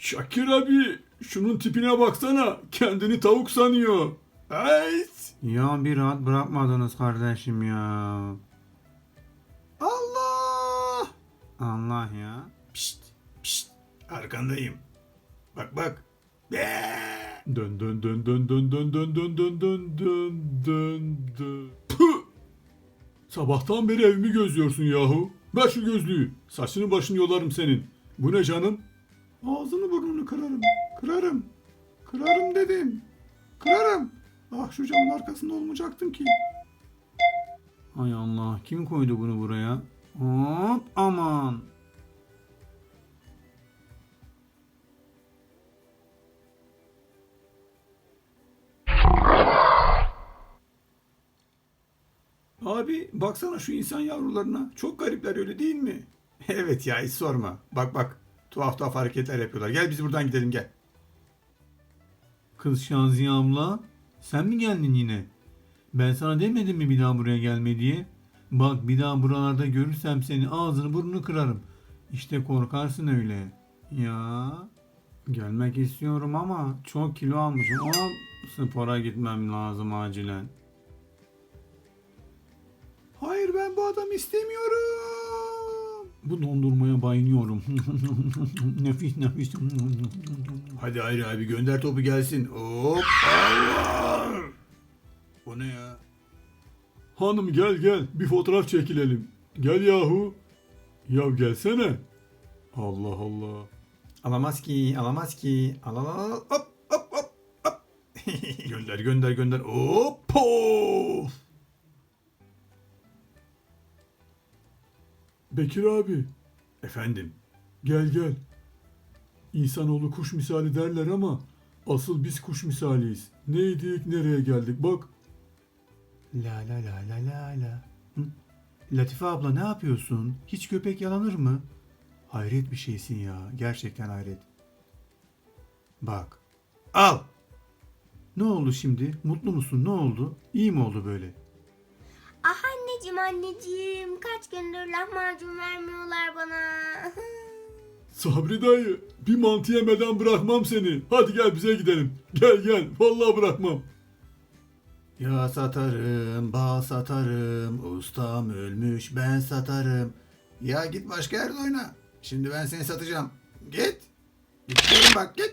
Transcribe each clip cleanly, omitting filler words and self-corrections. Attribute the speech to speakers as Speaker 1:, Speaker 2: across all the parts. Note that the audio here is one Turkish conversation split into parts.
Speaker 1: Şakir abi şunun tipine baksana. Kendini tavuk sanıyor. Evet.
Speaker 2: Ya bir rahat bırakmadınız kardeşim ya.
Speaker 1: Allah.
Speaker 2: Allah ya.
Speaker 1: Pişt pişt. Arkandayım. Bak bak. Dön dön dön dön dön dön dön dön dön dön dön dön dön. Püh! Sabahtan beri evimi gözlüyorsun yahu. Ver şu gözlüğü. Saçını başını yolarım senin. Bu ne canım? Ağzını burnunu kırarım. Kırarım. Kırarım dedim. Kırarım. Ah şu camın arkasında olmayacaktım ki.
Speaker 2: Hay Allah, kim koydu bunu buraya? Hop aman.
Speaker 1: Abi baksana şu insan yavrularına. Çok garipler öyle değil mi? Evet ya hiç sorma. Bak bak. Tuhaf tuhaf hareketler yapıyorlar. Gel biz buradan gidelim gel.
Speaker 2: Kız Şaziye abla, sen mi geldin yine? Ben sana demedim mi bir daha buraya gelme diye? Bak bir daha buralarda görürsem seni ağzını burnunu kırarım. İşte korkarsın öyle. Ya gelmek istiyorum ama çok kilo almışım. Ama spora gitmem lazım acilen.
Speaker 1: Hayır ben bu adamı istemiyorum.
Speaker 2: Bu dondurmaya bayılıyorum. Nefis nefis.
Speaker 1: Hadi Hayri abi gönder topu gelsin. Hop Allah. O ne ya? Hanım gel gel bir fotoğraf çekilelim. Gel yahu. Ya gelsene. Allah Allah.
Speaker 2: Alamaz ki, alamaz ki. Al al al.
Speaker 1: Hop hop hop hop. Gönder gönder gönder. Hop pof. Bekir abi. Efendim. Gel gel. İnsanoğlu kuş misali derler ama asıl biz kuş misaliyiz. Neydik nereye geldik bak.
Speaker 2: La la la la la la. Hı? Latife abla ne yapıyorsun? Hiç köpek yalanır mı? Hayret bir şeysin ya. Gerçekten hayret. Bak. Al. Ne oldu şimdi? Mutlu musun? Ne oldu? İyi mi oldu böyle?
Speaker 3: Ah anneciğim kaç gündür lahmacun vermiyorlar bana.
Speaker 1: Sabri dayı bir mantı yemeden bırakmam seni. Hadi gel bize gidelim. Gel gel vallahi bırakmam.
Speaker 2: Ya satarım, bal satarım, ustam ölmüş ben satarım.
Speaker 1: Ya git başka yerde oyna. Şimdi ben seni satacağım. Git. Git bak git.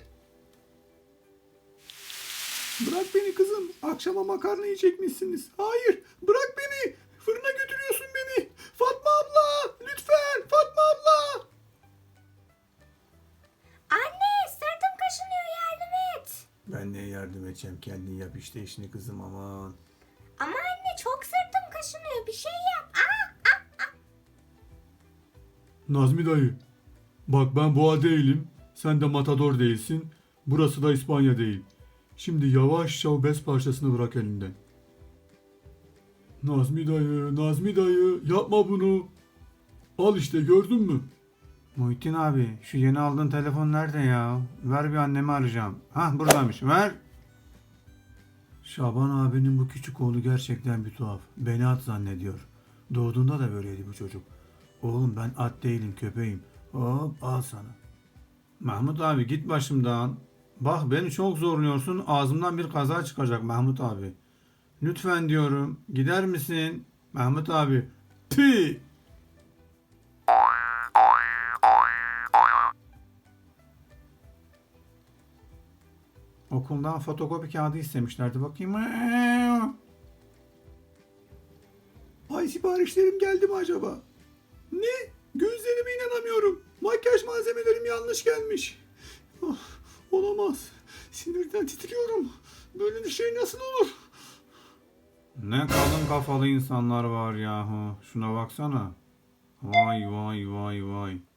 Speaker 1: Bırak beni kızım. Akşama makarna yiyecekmişsiniz. Hayır bırak beni. Fırına götürüyorsun beni. Fatma abla lütfen Fatma abla.
Speaker 3: Anne sırtım kaşınıyor yardım et.
Speaker 1: Ben neye yardım edeceğim kendin yap işte işini kızım aman.
Speaker 3: Ama anne çok sırtım kaşınıyor bir şey yap.
Speaker 1: Nazmi dayı. Bak ben boğa değilim. Sen de matador değilsin. Burası da İspanya değil. Şimdi yavaşça o bez parçasını bırak elinden. Nazmi dayı, Nazmi dayı yapma bunu. Al işte gördün mü?
Speaker 2: Muhittin abi şu yeni aldığın telefon nerede ya? Ver bir annemi arayacağım. Hah buradaymış ver. Şaban abinin bu küçük oğlu gerçekten bir tuhaf. Beni at zannediyor. Doğduğunda da böyleydi bu çocuk. Oğlum ben at değilim köpeğim. Hop al sana. Mahmut abi git başımdan. Bak beni çok zorluyorsun ağzımdan bir kaza çıkacak Mahmut abi. Lütfen diyorum gider misin? Mahmut abi.
Speaker 1: Pi.
Speaker 2: Okuldan fotokopi kağıdı istemişlerdi bakayım.
Speaker 1: Ay siparişlerim geldi mi acaba? Ne? Gözlerime inanamıyorum. Makyaj malzemelerim yanlış gelmiş. Ah, olamaz. Sinirden titriyorum. Böyle bir şey nasıl olur?
Speaker 2: Ne kalın kafalı insanlar var yahu. Şuna baksana. Vay vay vay vay.